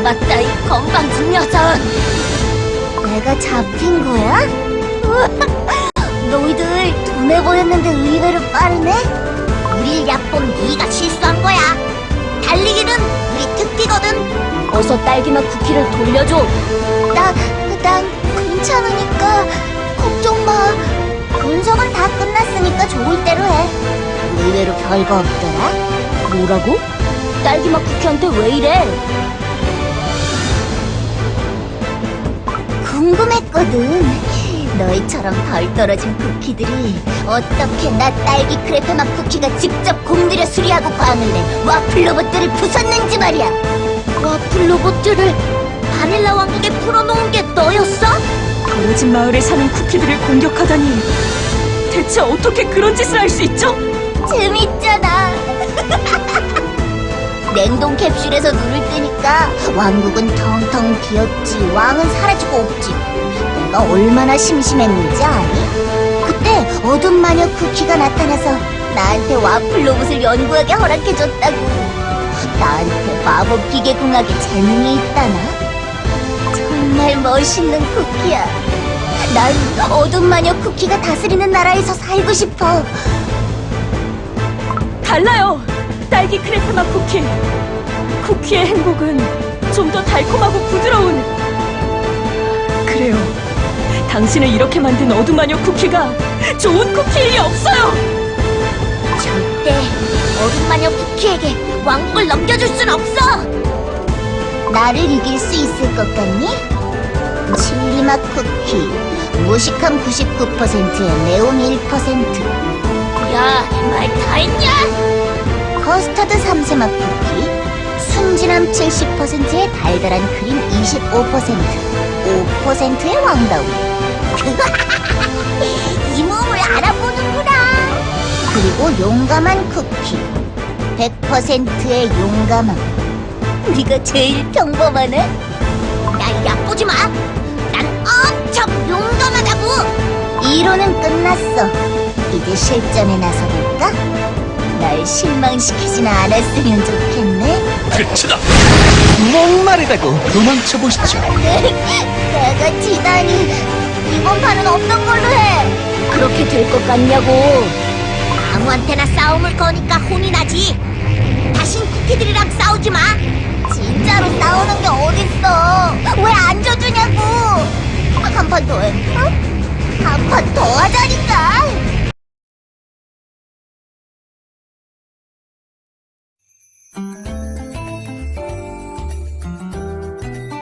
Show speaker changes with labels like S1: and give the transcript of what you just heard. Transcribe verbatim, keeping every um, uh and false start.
S1: 잡았다, 이 건방진 녀석!
S2: 내가 잡힌 거야? 너희들 둔해 보였는데 의외로 빠르네? 우릴 얕본 네가 실수한 거야. 달리기는 우리 특기거든.
S1: 어서 딸기맛 쿠키를 돌려줘.
S2: 나, 난 괜찮으니까 걱정 마. 분석은 다 끝났으니까 좋을 대로 해. 의외로 별거 없더라.
S1: 뭐라고? 딸기맛 쿠키한테 왜 이래?
S2: 궁금했거든. 너희처럼 덜 떨어진 쿠키들이 어떻게 나 딸기 크레페 맛 쿠키가 직접 공들여 수리하고 광을 내 와플 로봇들을 부쉈는지 말이야.
S1: 와플 로봇들을 바닐라 왕국에 풀어놓은 게 너였어?
S3: 벌어진 마을에 사는 쿠키들을 공격하다니 대체 어떻게 그런 짓을 할 수 있죠?
S2: 재밌잖아. 냉동 캡슐에서 눈을 뜨니까 왕국은 텅텅 비었지, 왕은 사라지고 없지. 내가 얼마나 심심했는지 아니? 그때 어둠 마녀 쿠키가 나타나서 나한테 와플 로봇을 연구하게 허락해줬다고. 나한테 마법 기계 궁합에 재능이 있다나? 정말 멋있는 쿠키야. 난 어둠 마녀 쿠키가 다스리는 나라에서 살고 싶어.
S3: 달라요! 딸기 크레페 맛 쿠키! 쿠키의 행복은 좀 더 달콤하고 부드러운... 그래요. 당신을 이렇게 만든 어둠마녀 쿠키가 좋은 쿠키일 리 없어요!
S2: 절대 어둠 마녀 쿠키에게 왕국을 넘겨줄 순 없어! 나를 이길 수 있을 것 같니? 칠리맛 쿠키, 무식한 구십구 퍼센트에 네온 일 퍼센트.
S1: 야, 말 다 했냐?
S2: 커스터드 삼세맛 쿠키, 순진함 칠십 퍼센트에 달달한 크림 이십오 퍼센트, 오 퍼센트의 왕다운. 이 몸을 알아보는구나. 그리고 용감한 쿠키, 백 퍼센트의 용감함. 네가 제일 평범하네? 날 얕보지 마. 난 엄청 용감하다고. 이론은 끝났어. 이제 실전에 나서볼까? 날 실망시키진 않았으면 좋겠네.
S4: 끝이다! 목마르다고 도망쳐보시죠.
S2: 내가 지다니. 이번 판은 없던 걸로 해.
S1: 그렇게 될 것 같냐고.
S2: 아무한테나 싸움을 거니까 혼이 나지. 다신 쿠키들이랑 싸우지 마. 진짜로 싸우는 게 어딨어. 왜 안 져주냐고. 한 판 더 해. 어? 한 판 더 하자니까.